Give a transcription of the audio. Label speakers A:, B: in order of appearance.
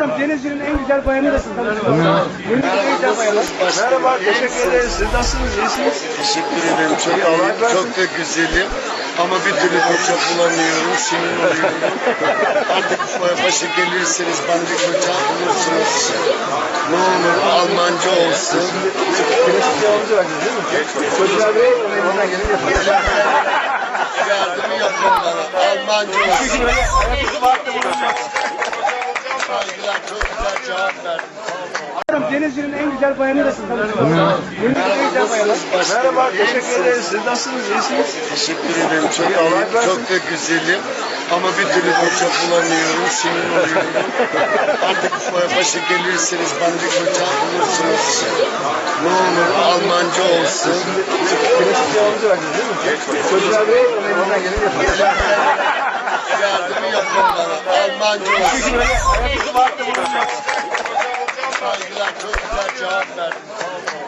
A: Denizli'nin en güzel bayanı da siz tanıştınız. Denizli'nin en güzel bayanı.
B: Merhaba, teşekkür ederiz. Siz nasılsınız? İyisiniz?
C: Teşekkür ederim. Çok iyiyim, çok da güzelim. Ama bir türlü koça bulamıyorum, sinir oluyorum. Artık başa gelirseniz bana bir koça bulursunuz. Ne olur Almanca olsun.
B: Klasik cevabımızı verdiniz değil mi? Çocuklar Bey, elimizden geleni yapıyoruz.
C: Yardımı yapın bana. Almanca olsun.
B: Hayatınızı vakti bulunacak.
C: Saygılar, çok güzel cevap verdin.
A: Denizli'nin en güzel bayanı da siz tanıştınız. Denizli'nin en güzel bayanı.
B: Merhaba, teşekkür ederiz. Siz nasılsınız? İyisiniz?
C: Teşekkür ederim. Çok iyiyim, çok da güzelim. Ama bir türlü koça bulamıyorum, sinir oluyorum. Artık başa gelirseniz bana bir koça bulursunuz. Ne olur Almanca olsun.
B: Klasik cevabımızı verdiniz değil mi? Çocuklar Bey, elimizden geleni yapıyoruz.
C: Yardımı yapın bana. Almanca olsun.
B: Hayatınızı vakti bulunacak.
C: Saygılar, çok güzel cevap verdin.